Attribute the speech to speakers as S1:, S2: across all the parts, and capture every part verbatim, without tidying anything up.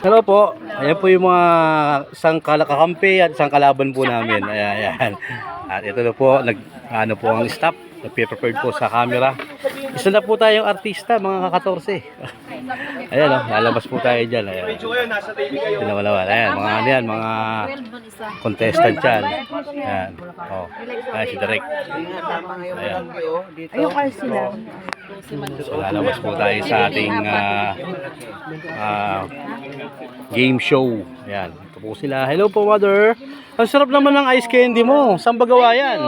S1: Hello po. Ayan po yung mga isang kakampi at isang kalaban po namin. Ayan, ayan. At ito na po, nag, ano po ang staff. Nag-prepared po sa camera. Isa na po tayong artista, mga kakatorse. Ayan o, lalabas po tayo dyan. Ayan. Pinawalawan. Ayan, mga ano yan, mga contestant yan. Ayan. O, ayan si Direk. Ayan.
S2: Ayun sila.
S1: So, lalabas po tayo sa ating uh, uh, game show. Ayan. Ito po sila. Hello po, mother. Ang sarap naman ng ice candy mo. Saan ba gawa yan?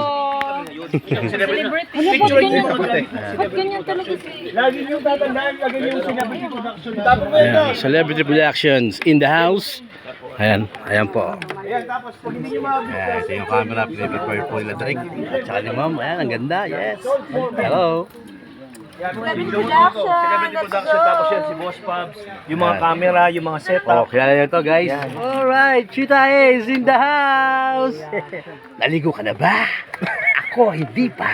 S2: Picture niyo ba't ganyan talaga?
S3: Lagi niyo tatandaan, lagi niyo celebrity production.
S1: Ayan, celebrity productions in the house. Ayan, ayan po.
S3: Ayan, tapos pag hindi niyo mabigyan.
S1: Ayan, ito yung camera. Prepare po nila Drake. At saka ni ma'am. Ayan, ang ganda. Yes. Hello.
S3: Celebrity production, tapos yan si Boss Pabs, yung mga camera, yung mga
S1: Oh,
S3: setup.
S1: kilala nyo to guys. Alright, Chita is in the house. Naligo ka na ba? Ako, hindi pa.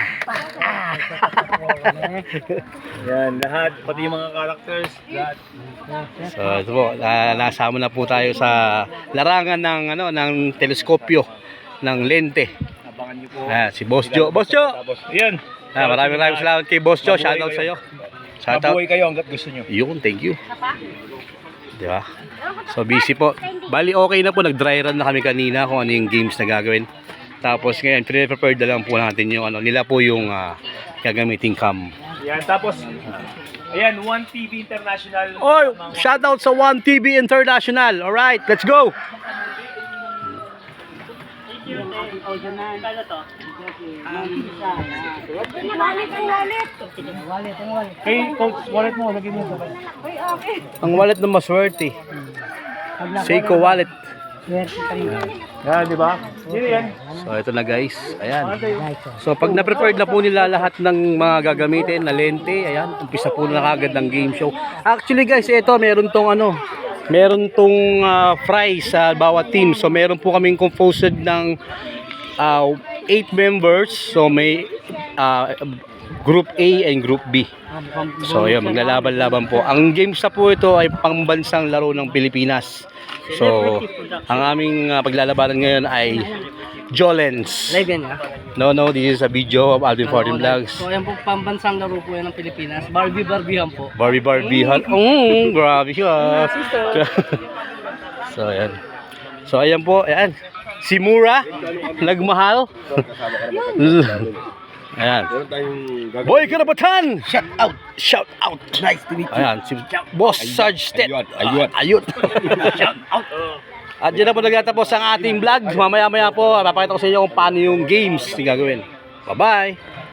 S3: Yan, lahat, pati yung mga characters, lahat.
S1: So, ito po, na nasama na po tayo sa larangan ng ano ng teleskopyo ng lente.
S3: Abangan niyo po.
S1: Ah, si Boss Joe. Boss Joe.
S3: Tapos, yan.
S1: Ah, maraming maraming salamat kay Boss Joe. Shoutout sa iyo. Shoutout.
S3: Mabuhay kayo hanggat gusto niyo.
S1: Yun, thank you. Di ba? So, busy po. Bali, okay na po. Nag-dry run na kami kanina kung ano yung games na gagawin. Tapos ngayon, pre-prepared na lang po natin yung ano. Nila po yung uh, gagamiting cam.
S3: Yan, tapos, ayan, One T V International.
S1: Oh, shoutout sa One T V International. Alright, let's go!
S3: Kay Coach, wallet mo, lagay mo sa wallet.
S1: Ang wallet na maswerte. Seiko wallet.
S3: Yan, di ba? Yan, yan.
S1: So, ito na guys. Ayan. So, pag na-prepared na po nila lahat ng mga gagamitin na lente, ayan, umpisa po na kagad ng game show. Actually guys, ito, meron tong ano, meron tong uh, prize sa bawat team. So, meron po kaming composed ng uh, eight members. So, may uh, Group A and Group B. So, yun, maglalaban-laban po. Ang games na po ito ay pangbansang laro ng Pilipinas. So, ang aming uh, paglalabanan ngayon ay Jolens.
S4: Live yan ha?
S1: No, no, this is a video of Alvin fourteen Vlogs.
S4: So yan po, pambansang laro po yan ng Pilipinas. Barbie Barbihan po.
S1: Barbie Barbie Han. Mm, grabe siya. So, ayan. So, ayan po, ayan. Si Mura, nagmahal. Ayan. Boy Karabatan! Shout out! Shout out! Nice to meet you. Ayan, si Boss Sarge Stet. Ayun. Ayun. Shout out! At dyan na po nagtatapos ang ating vlog. Mamaya-maya po, papakita ko sa inyo kung paano yung games na gagawin. Bye-bye!